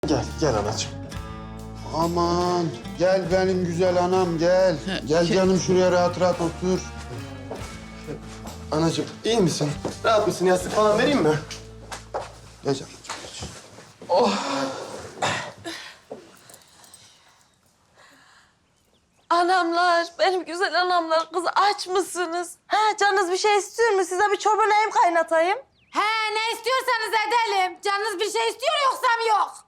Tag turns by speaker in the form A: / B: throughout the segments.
A: Gel anacığım.
B: Aman gel benim güzel anam gel. Gel canım şuraya rahat rahat otur.
A: Anacığım iyi misin? Rahat mısın? Yastık falan vereyim mi?
B: Geç anacığım geç.
C: Anamlar, benim güzel anamlar. Kız aç mısınız? Ha, canınız bir şey istiyor mu? Size bir çorba neyim kaynatayım?
D: He ne istiyorsanız edelim. Canınız bir şey istiyor yoksa mı yok?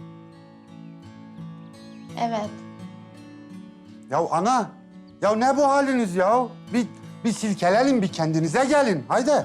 D: Evet.
B: Ya ana, ya ne bu haliniz ya? Bir silkelenin, bir kendinize gelin. Haydi.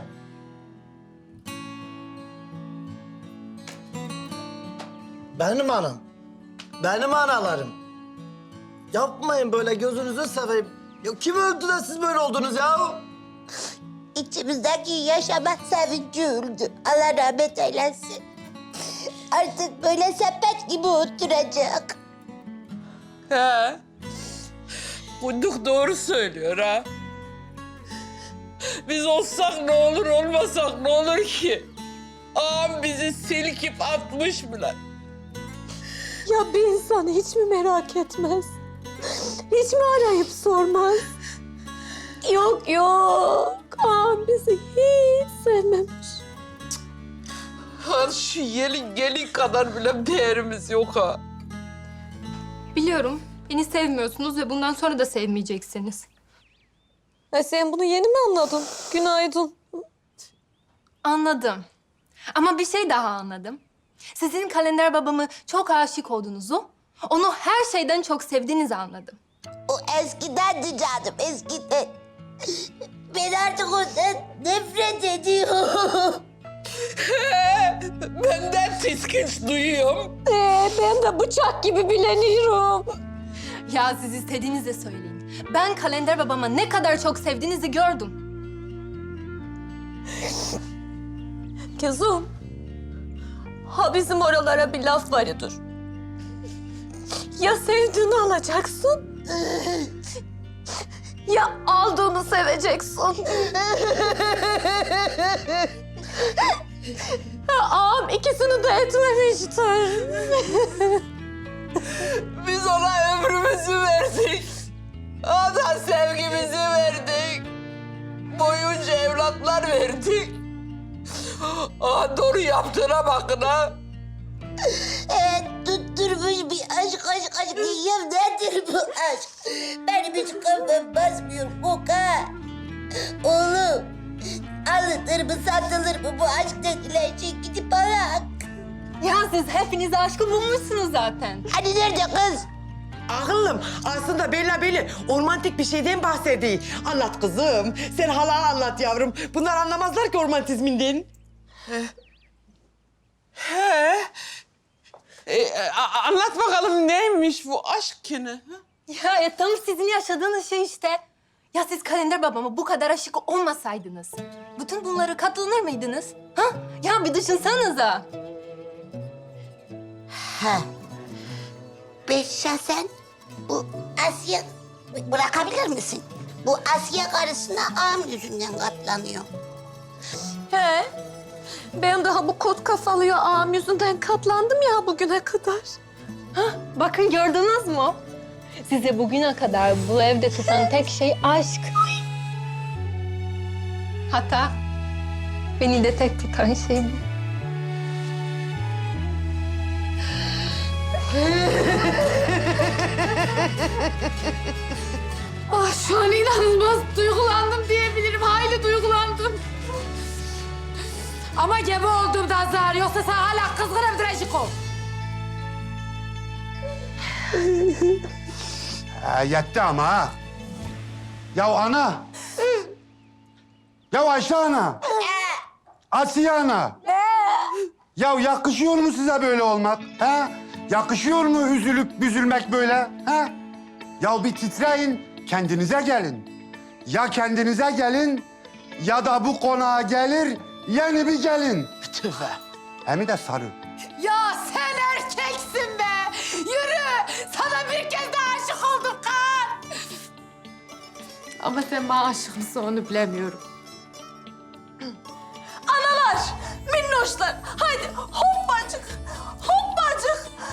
E: Benim anam. Benim analarım. Yapmayın böyle gözünüzü seveyim. Ya kim öldü de siz böyle oldunuz ya?
F: İçimizdeki yaşama sevinci öldü. Allah rahmet eylesin. Artık böyle sepet gibi oturacak.
C: He. Kunduk doğru söylüyor ha. Biz olsak ne olur, olmasak ne olur ki? Ağam bizi silkip atmış bile.
G: Ya bir insan hiç mi merak etmez? Hiç mi arayıp sormaz? Yok yok. Ağam bizi hiç sevmemiş.
C: Ha, şu gelin kadar bile değerimiz yok ha.
H: Biliyorum. Beni sevmiyorsunuz ve bundan sonra da sevmeyeceksiniz.
G: Sen bunu yeni mi anladın? Günaydın.
H: Anladım. Ama bir şey daha anladım. Sizin kalender babamı çok aşık olduğunuzu, onu her şeyden çok sevdiğinizi anladım.
F: O eskidendi canım, eskiden. Ben artık ondan nefret ediyorum.
C: Benden tiskinç duyuyorum.
G: Ben de bıçak gibi bileniyorum.
H: Ya siz istediğinizi söyleyin. Ben kalender babama ne kadar çok sevdiğinizi gördüm.
G: Kızım. Ha bizim oralara bir laf vardır. Ya sevdiğini alacaksın. Ya aldığını seveceksin. Ağam ikisini de etmemiştir.
C: Biz ona ömrümüzü verdik. O da sevgimizi verdik. Boyunca evlatlar verdik. Aa, doğru yaptığına bakın ha.
F: Tutturmuş bir aşk diyeyim. Nedir bu aşk? Benim hiç kafam basmıyor Koka. Oğlum, alınır mı satılır mı bu aşk denilen şey, gidip bak.
H: Ya siz hepiniz aşkı bulmuşsunuz zaten.
F: Hani nerede kız?
I: Ağıllım aslında belli romantik bir şeyden bahsediyor. Anlat kızım. Sen hala anlat yavrum. Bunlar anlamazlar ki romantizminden.
C: Anlat bakalım neymiş bu aşk ki ne?
H: Ya tam sizin yaşadığınız şey işte. Ya siz kalender babama bu kadar aşık olmasaydınız, bütün bunları katlanır mıydınız? Ha? Ya bir düşünsenize.
F: Ha. Ben şahsen bu Asya bırakabilir misin? Bu Asya karısına ağam yüzünden katlanıyor.
G: He. Ben daha bu kot kafalıya ağam yüzünden katlandım ya bugüne kadar.
H: Bakın gördünüz mü? Size bugüne kadar bu evde tutan tek şey aşk. Hatta beni de tek tutan şey bu.
D: Şu an inanılmaz duygulandım diyebilirim. Hayli duygulandım. Ama gebe olduğumdan zar. Yoksa sen hala kızgınımdır Eşiko.
B: Yetti ama ha. Ya ana. Ya Ayşe ana. Asiye ana. Ya yakışıyor mu size böyle olmak? Ha? Yakışıyor mu üzülüp büzülmek böyle? Ha? Ya bir titreyin, kendinize gelin. Ya kendinize gelin ya da bu konağa gelir yeni bir gelin.
E: Tüfe.
B: Hem de sarı.
D: Ya sen erkeksin be. Yürü. Sana bir kez daha aşık oldum kan. Ama sen bana aşık mısın onu bilemiyorum.
G: Analar, minnoşlar. Haydi hoppacık, hoppacık.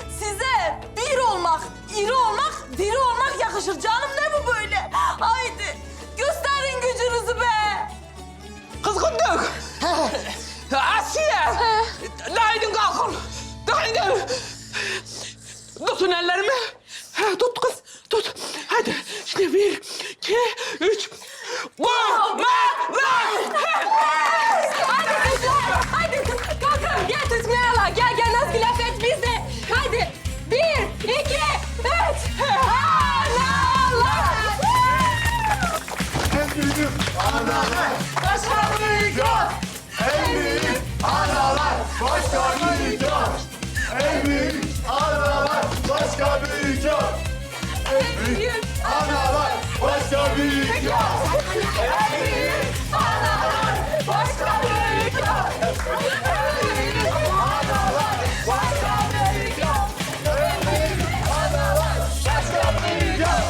I: tutun ellerimi. Tut kız, tut. Hadi, şimdi 1, 2, 3.
H: Hadi kızlar, hadi kalkın. Gel tutmayala, gel Nazgül Afet biz de. Hadi 1, 2, 3. Analar!
B: En büyük analar başka büyük yok. En büyük analar başka büyük yok. En büyük analar başka büyük yok. En büyük